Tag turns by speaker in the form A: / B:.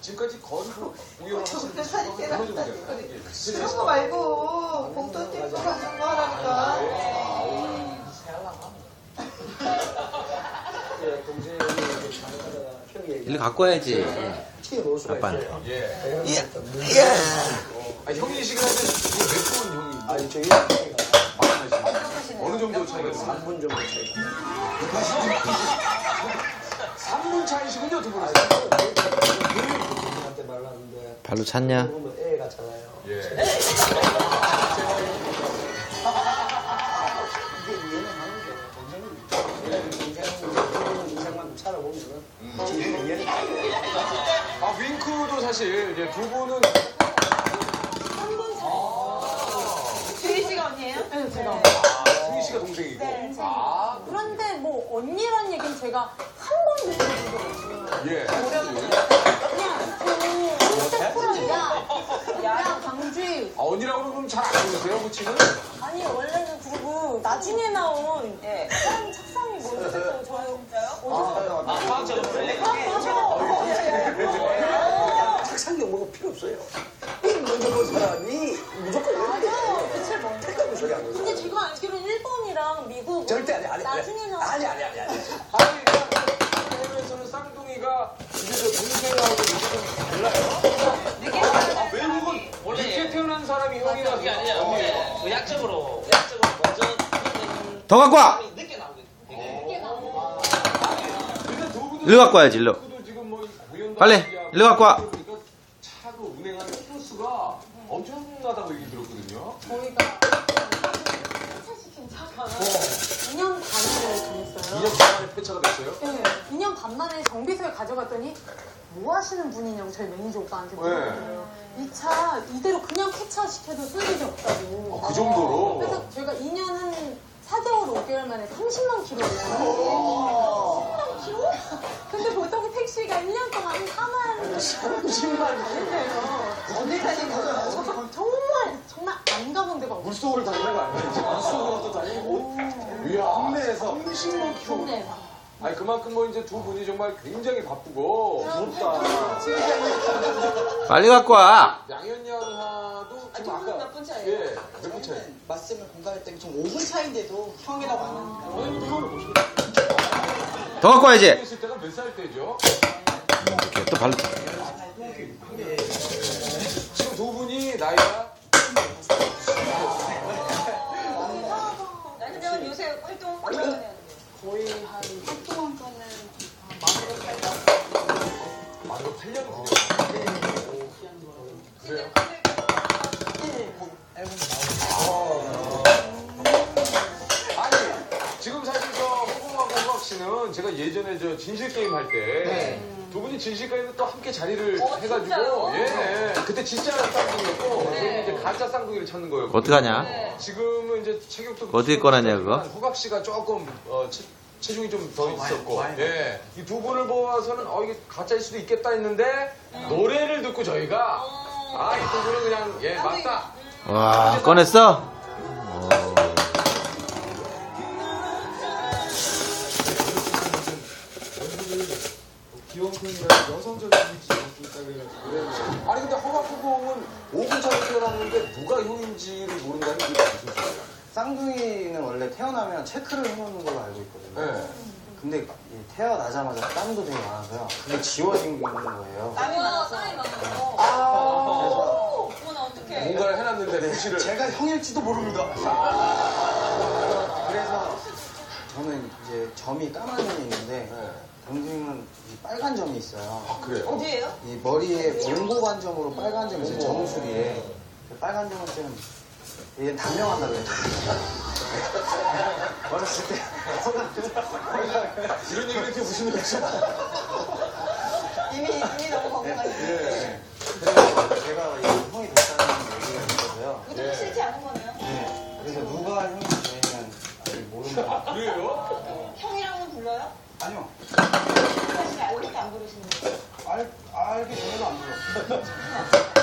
A: 지금까지 거의 우연한
B: 사진
A: 무너지고
B: 그런 거 말고 봉돈 팁도 같은 거 하라니까.
C: 일로 갖고 와야지. 아빠는.
A: 형이시긴 한데 몇 분 형이?
D: 아니 저희
A: 어느 정도 차이가 있어요?
D: 3분 정도 차이가
A: 3분 차이시군요, 두 분이.
D: 한테 말랐는데
C: 발로 찼냐?
D: 보면 애 같잖아요.
A: 예.
D: 이게 이해는 하는데 동생은 인생만큼 살아보면은 이해는
A: 아, 윙크도 사실 이제 두 분은
B: 주희 씨가 언니예요?
E: 네, 제가.
A: 승희 씨가 동생이고.
E: 네.
A: 아,
E: 그런데 뭐 언니란 얘기는 제가 한 번도 들어본 적 없어요.
A: 예.
E: 그냥 콘셉트야. 야 강주희.
A: 아, 언니라고 그러면 잘 안 보세요, 호칭은?
E: 아니 원래는 그리고 나중에 나온 사람 착상이 뭔지 저요.
D: 착상력 뭐가 필요 없어요. 먼저 본 사람이 무조건
E: 맞아요. 대체 뭔지.
D: 택하고 소리 안
E: 근데 제가 알기로는 일본이랑 미국
D: 절대 아니.
E: 나중에 나온
D: 아니.
A: 아니, 해외에서는 쌍둥이가 이제 저 동생하고 느낌이 달라요? 아, 외국은 늦게 태어난 사람이 형이라서.
F: 그게 아니라 그 약적으로 먼저
C: 더 갖고 와!
F: 늦게 나오거든요.
A: 근데 두 분은
C: 일로 갖고 와야지, 일로.
A: 지금 뭐 공연도
C: 빨리,
A: 하고
C: 일로 갖고 와.
A: 그러니까 차로 운행하는 키로수가 엄청나다고 얘기 들었거든요.
E: 저희가 폐차시킨 차가 2년 반을 다녔어요.
A: 2년 동안에 폐차가 됐어요?
E: 네, 2년 반 만에 정비소에 가져갔더니 뭐 하시는 분이냐고 저희 매니저 오빠한테 물어봤어요. 이 차 이대로 그냥 폐차시켜도 쓸 일이 없다고.
A: 그 정도로?
E: 그래서 저희가 2년 한 4개월, 5개월 만에 30만 킬로 올랐어요. 30만 킬로? 근데 보통 택시가 1년 동안 4만 30만 다닌대요.
B: 어딜 다닌 거예요?
E: 정말 안 가본 데가 없어요.
A: 물속을 다니는 거 아니에요? 물속으로도 다니고. 이야, 국내에서 30만 킬로.
E: 국내에서.
A: 아니, 그만큼 뭐 이제 두 분이 정말 굉장히 바쁘고 부럽다.
C: 빨리 갖고 와!
A: 양현 양하도 지금
B: 두 분은
A: 아까
B: 몇 분 차이예요?
A: 예, 몇 분 차이?
G: 맞으면 공감할 때 좀 5분 차인데도 형이라고 안 하니까 오늘부터 형으로 모시고
C: 더 갖고 와야지!
A: 있을 때가 몇 살 때죠?
C: 이렇게 또 발로.
A: 지금 두 분이 나이가
B: 그러면 요새 활동 어떤 거 해요?
G: 거의 한 8년 전에 만으로 살다
A: 만으로 8년 그래요?
G: 앨범
A: 아니, 지금 사실 저 호공학 씨는 제가 예전에 저 진실 게임 할 때 두 분이 진실 게임에 또 함께 자리를 해가지고
B: 진짜요?
A: 예, 그때 진짜 쌍둥이였고 저희는 이제 가짜 쌍둥이를 찾는 거예요.
C: 어떡하냐?
A: 지금은 이제 체격도
C: 어떻게 꺼내냐, 그거?
A: 호각 씨가 조금 체중이 좀 더 있었고, 예, 이 두 분을 보아서는 이게 가짜일 수도 있겠다 했는데 노래를 듣고 저희가 이 두 분은 그냥 예 맞다.
C: 와, 꺼냈어?
A: 귀여운 편이라 여성적인 이미지가 좀 있다 그래가지고. 아니 근데 허각호공은 5분 차로 태어났는데 누가 형인지를 모른다는 게 무슨 소리야?
H: 쌍둥이는 원래 태어나면 체크를 해놓는 걸로 알고 있거든요.
A: 네.
H: 근데 이 태어나자마자 땀도 되게 많아서요. 그게 지워진 게 있는 거예요.
B: 땀이 많아서. 어머나 어떡해.
A: 뭔가를 해놨는데 무시를.
H: 제가 형일지도 모릅니다. 그래서 저는 이제 점이 까만 점이 있는데 동생은 이 빨간 점이 있어요.
A: 아 그래요?
B: 어디예요?
H: 이 머리에 몽고반점으로 빨간 점이 있어요. 정수리에. 그 빨간 점은 좀 얘는 단명한다고 했잖아요. 어렸을 때
A: 이런 얘기를 이렇게 무슨 얘기죠?
B: 이미 너무 건강하시네.
A: 예.
H: 그래서 제가 이 형이 됐다는 얘기가 있어서요.
B: 그것도 싫지 않은 거네요.
H: 네. 그래서 누가 형인지 저희는 아직 모릅니다.
A: 그래요?
B: 형이랑은 불러요?
H: 아니요.
B: 사실 알고도 안 부르시는 거예요?
H: 알기 전에도 안 불렀어요.